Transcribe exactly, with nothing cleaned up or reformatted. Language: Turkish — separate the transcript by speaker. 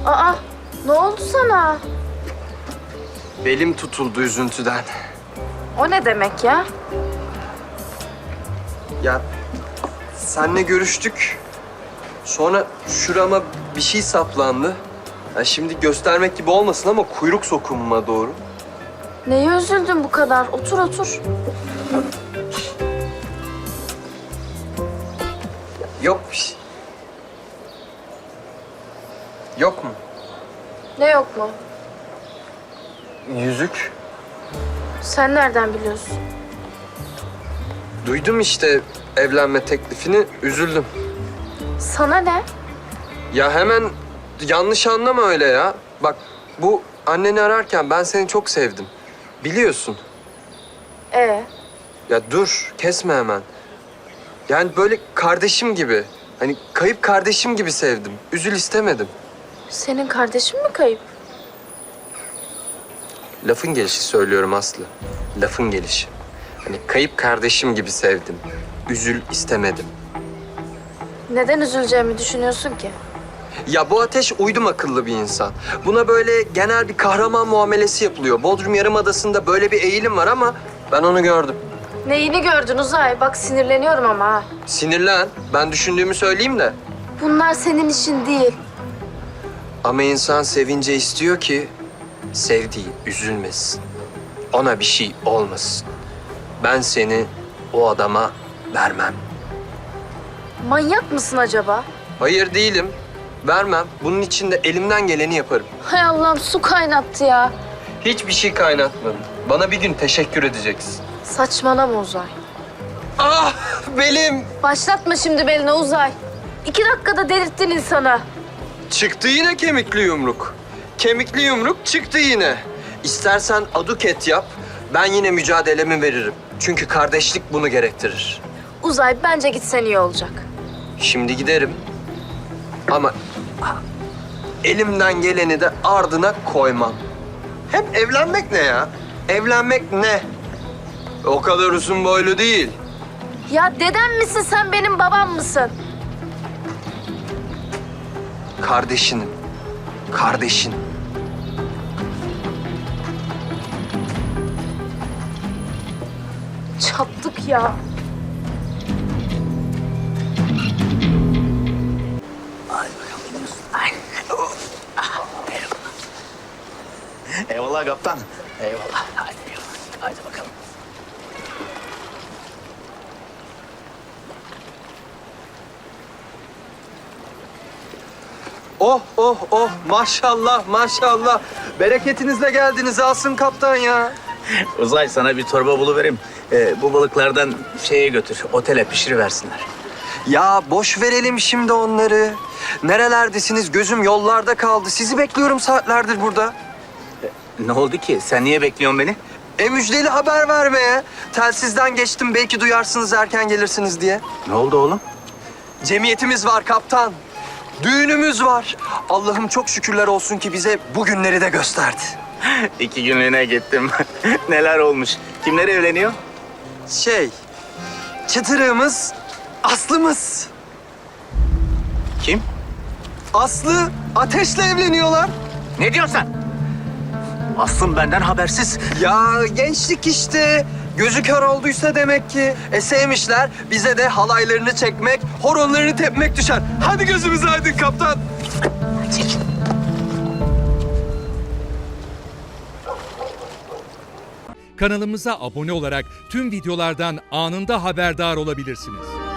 Speaker 1: Aa, ne oldu sana?
Speaker 2: Belim tutuldu üzüntüden.
Speaker 1: O ne demek ya?
Speaker 2: Ya senle görüştük. Sonra şurama bir şey saplandı. Ya şimdi göstermek gibi olmasın ama kuyruk sokumuma doğru.
Speaker 1: Neye üzüldün bu kadar? Otur otur.
Speaker 2: Yok bir şey. Yok mu?
Speaker 1: Ne yok mu?
Speaker 2: Yüzük.
Speaker 1: Sen nereden biliyorsun?
Speaker 2: Duydum işte evlenme teklifini, üzüldüm.
Speaker 1: Sana ne?
Speaker 2: Ya hemen yanlış anlama öyle ya. Bak bu anneni ararken ben seni çok sevdim. Biliyorsun.
Speaker 1: Ee,
Speaker 2: Ya dur, kesme hemen. Yani böyle kardeşim gibi. Hani kayıp kardeşim gibi sevdim. Üzül istemedim.
Speaker 1: senin kardeşin mi kayıp?
Speaker 2: Lafın gelişi söylüyorum Aslı. Lafın gelişi. Hani kayıp kardeşim gibi sevdim. Üzül istemedim.
Speaker 1: Neden üzüleceğimi düşünüyorsun ki?
Speaker 2: Ya bu Ateş uydum akıllı bir insan. Buna böyle genel bir kahraman muamelesi yapılıyor. Bodrum Yarımadası'nda böyle bir eğilim var ama ben onu gördüm.
Speaker 1: Neyini gördün Uzay? Bak sinirleniyorum ama ha.
Speaker 2: Sinirlen. Ben düşündüğümü söyleyeyim de.
Speaker 1: Bunlar senin işin değil.
Speaker 2: Ama insan sevince istiyor ki sevdiği üzülmesin. Ona bir şey olmasın. Ben seni o adama vermem.
Speaker 1: Manyak mısın acaba?
Speaker 2: Hayır değilim. Vermem. Bunun için de elimden geleni yaparım.
Speaker 1: Hay Allah'ım su kaynattı ya.
Speaker 2: Hiçbir şey kaynatmadım. Bana bir gün teşekkür edeceksin.
Speaker 1: Saçmalama Uzay.
Speaker 2: Ah belim.
Speaker 1: Başlatma şimdi beline Uzay. İki dakikada delirttin insanı.
Speaker 2: Çıktı yine kemikli yumruk. Kemikli yumruk çıktı yine. İstersen aduket yap. Ben yine mücadelemi veririm. Çünkü kardeşlik bunu gerektirir.
Speaker 1: Uzay bence gitsen iyi olacak.
Speaker 2: Şimdi giderim. Ama elimden geleni de ardına koymam. Hem evlenmek ne ya? Evlenmek ne? O kadar uzun boylu değil.
Speaker 1: Ya dedem misin sen benim babam mısın?
Speaker 2: Kardeşinim. Kardeşin.
Speaker 1: Çattık ya.
Speaker 3: Eyvallah kaptan. Eyvallah. Hadi eyvallah. Hadi bakalım.
Speaker 2: Oh oh oh maşallah maşallah. Bereketinizle geldiniz Asım Kaptan ya.
Speaker 3: Uzay sana bir torba buluvereyim. Ee, bu balıklardan şeye götür. Otele pişiriversinler.
Speaker 2: Ya boş verelim şimdi onları. Nerelerdesiniz? Gözüm yollarda kaldı. Sizi bekliyorum saatlerdir burada.
Speaker 3: Ne oldu ki? Sen niye bekliyorsun beni?
Speaker 2: E müjdeli haber vermeye. Telsizden geçtim belki duyarsınız erken gelirsiniz diye.
Speaker 3: Ne oldu oğlum?
Speaker 2: Cemiyetimiz var kaptan. Düğünümüz var. Allah'ım çok şükürler olsun ki bize bu günleri de gösterdi.
Speaker 3: İki günlüğüne gittim. Neler olmuş? Kimler evleniyor?
Speaker 2: Şey, çıtırığımız Aslı'mız.
Speaker 3: Kim?
Speaker 2: Aslı Ateş'le evleniyorlar.
Speaker 3: Ne diyorsun sen? Aslım benden habersiz.
Speaker 2: Ya gençlik işte. Gözü kör olduysa demek ki. E sevmişler. Bize de halaylarını çekmek, horonlarını tepmek düşer. Hadi gözümüz aydın kaptan.
Speaker 3: Çek.
Speaker 4: Kanalımıza abone olarak tüm videolardan anında haberdar olabilirsiniz.